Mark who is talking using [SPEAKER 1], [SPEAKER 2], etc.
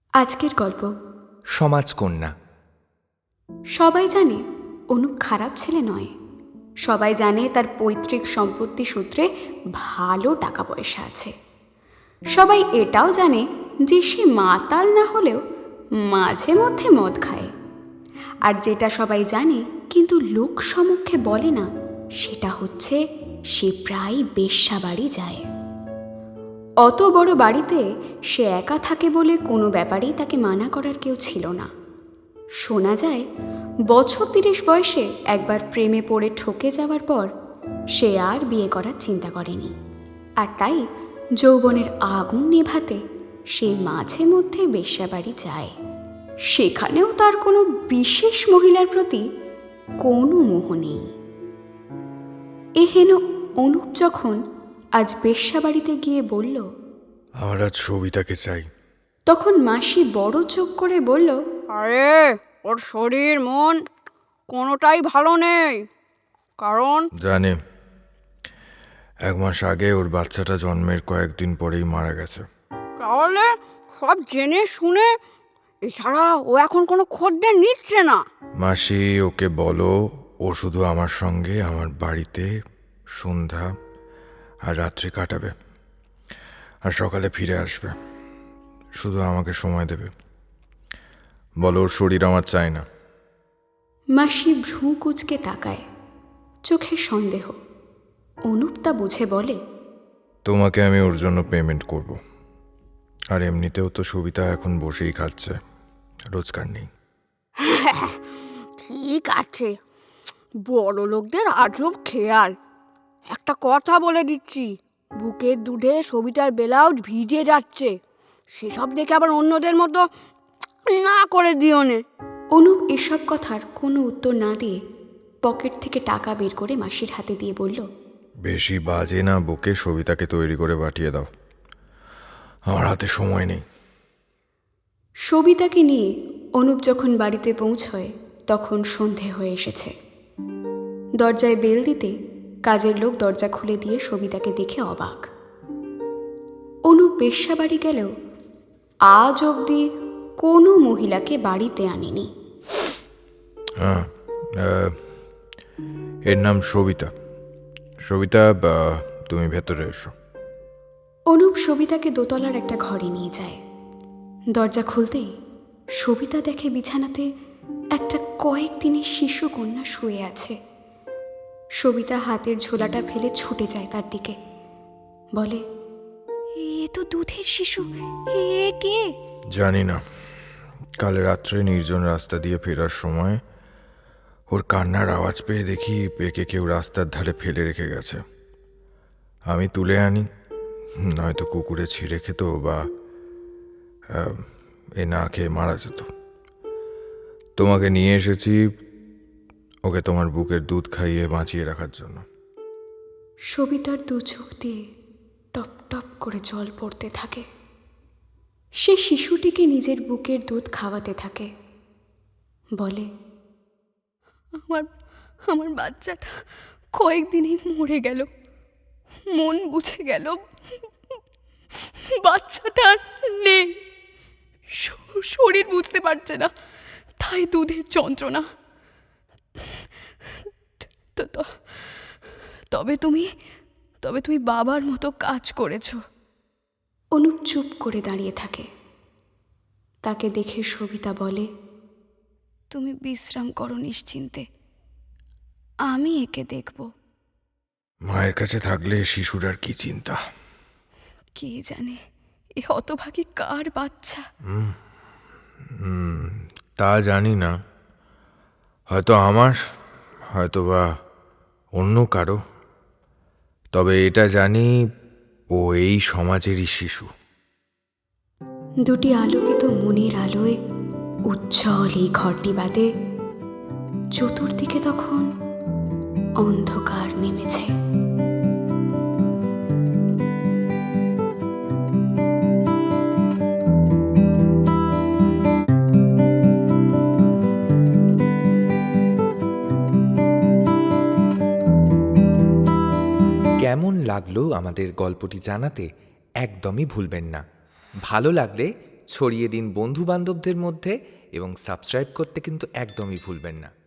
[SPEAKER 1] আজকের গল্প
[SPEAKER 2] সমাজকন্যা।
[SPEAKER 1] সবাই জানে অনুপ খারাপ ছেলে নয়। সবাই জানে তার পৈতৃক সম্পত্তি সূত্রে ভালো টাকা পয়সা আছে। সবাই এটাও জানে যে সে মাতাল না হলেও মাঝে মধ্যে মদ খায়। আর যেটা সবাই জানে কিন্তু লোক সমক্ষে বলে না, সেটা হচ্ছে সে প্রায় বেশ্যা বাড়ি যায়। অত বড় বাড়িতে সে একা থাকে বলে কোনো ব্যাপারেই তাকে মানা করার কেউ ছিল না। শোনা যায় বছর 30 বয়সে একবার প্রেমে পড়ে ঠকে যাওয়ার পর সে আর বিয়ে করার চিন্তা করেনি। আর তাই যৌবনের আগুন নেভাতে সে মাঝে মধ্যে বেশ্যাবাড়ি যায়। সেখানেও তার কোনো বিশেষ মহিলার প্রতি কোনো মোহ নেই। এহেন অনুপ যখন আজ বেশ্যাবাড়িতে গিয়ে বলল,
[SPEAKER 2] আমার আজ সবিতাকে চাই,
[SPEAKER 1] তখন মাসি বড় চোখ করে বলল,
[SPEAKER 3] আরে ওর শরীর মন কোনোটাই ভালো নেই। কারণ
[SPEAKER 2] জানে 1 মাস আগে ওর বাচ্চাটা জন্মের কয়েকদিন পরেই মারা গেছে।
[SPEAKER 3] তাহলে সব জেনে শুনে এছাড়া ও এখন কোনো খদ্দের নিচ্ছে না।
[SPEAKER 2] মাসি ওকে বলো ও শুধু আমার সঙ্গে আমার বাড়িতে সন্ধ্যা আর রাত্রি কাটাবে, আর সকালে ফিরে আসবে। শুধু আমাকে সময় দেবে। বলো ওর শরীর আমার চাই না।
[SPEAKER 1] মাসি ভ্রু কুঁচকে তাকায়, চোখে সন্দেহ। অনুপ তা বুঝে বলে,
[SPEAKER 2] তোমাকে আমি ওর জন্য পেমেন্ট করব। আর এমনিতেও তো সবিতা এখন বসেই খাচ্ছে, রোজগার নেই।
[SPEAKER 3] ঠিক আছে, বড় লোকদের আজব খেয়াল। একটা কথা বলে দিচ্ছি, বুকের দুধে সবিতার ব্লাউজ ভিজে যাচ্ছে। সেসব দেখে আবার অন্যদের মতো না করে দিও নে।
[SPEAKER 1] অনুপ এসব কথার কোনো উত্তর না দিয়ে পকেট থেকে টাকা বের করে মাসির হাতে দিয়ে বলল,
[SPEAKER 2] বেশি বাজে না বকে সবিতাকে তৈরি করে পাঠিয়ে দাও, আমার হাতে সময় নেই।
[SPEAKER 1] সবিতাকে নিয়ে অনুপ যখন বাড়িতে পৌঁছয় তখন সন্ধে হয়ে এসেছে। দরজায় বেল দিতে কাজের লোক দরজা খুলে দিয়ে সবিতাকে দেখে অবাক। অনুপ বেশ্যাবাড়ি গেলেও আজ অবধি কোনো মহিলাকে বাড়িতে আনেনি।
[SPEAKER 2] হ্যাঁ, এর নাম সবিতা। সবিতা, তুমি ভেতরে এসো।
[SPEAKER 1] অনুপ সবিতাকে দোতলার একটা ঘরে নিয়ে যায়। দরজা খুলতেই সবিতা দেখে বিছানাতে একটা কয়েকদিনের শিশু কন্যা শুয়ে আছে। সবিতা হাতের ঝোলাটা ফেলে ছুটে যায় তার দিকে, বলে, এ তো দুধের শিশু, এ কে?
[SPEAKER 2] জানি না, কাল রাত্রে নির্জন রাস্তা দিয়ে ফেরার সময় ওর কান্নার আওয়াজ পেয়ে দেখি একে কেউ রাস্তার ধারে ফেলে রেখে গেছে। আমি তুলে আনি, নয়তো কুকুরে ছিঁড়ে খেত বা এ না খেয়ে মারা যেত। তোমাকে নিয়ে এসেছি ওকে তোমার বুকের দুধ খাইয়ে বাঁচিয়ে রাখার জন্য।
[SPEAKER 1] সবিতার দু চোখ দিয়ে টপ টপ করে জল পড়তে থাকে। সে শিশুটিকে নিজের বুকের দুধ খাওয়াতে থাকে, বলে,
[SPEAKER 4] আমার আমার বাচ্চাটা কয়েকদিনই মরে গেল, মন বুঝে গেল বাচ্চাটা আর নেই। শরীর বুঝতে পারছে না, তাই দুধের যন্ত্রণা। তবে তুমি বাবার মতো কাজ করেছো।
[SPEAKER 1] অনুপ চুপ করে দাঁড়িয়ে থাকে। তাকে দেখে সবিতা বলে,
[SPEAKER 4] তুমি বিশ্রাম করো নিশ্চিন্তে, আমি একে দেখব।
[SPEAKER 2] মায়ের কাছে থাকলে শিশুর আর কি চিন্তা।
[SPEAKER 4] কে জানে এ হতভাগী কার বাচ্চা।
[SPEAKER 2] তা জানি না, হয়তো আমার, হয়তো বা অন্য কারো। তবে এটা জানি ও এই সমাজেরই শিশু।
[SPEAKER 1] দুটি আলোকিত মনের আলোয় উজ্জ্বল এই ঘরটি বাদে চতুর্দিকে তখন অন্ধকার নেমেছে।
[SPEAKER 5] কেমন লাগলো আমাদের গল্পটি জানাতে একদমই ভুলবেন না। ভালো লাগলে ছড়িয়ে দিন বন্ধু বান্ধবদের মধ্যে এবং সাবস্ক্রাইব করতে কিন্তু একদমই ভুলবেন না।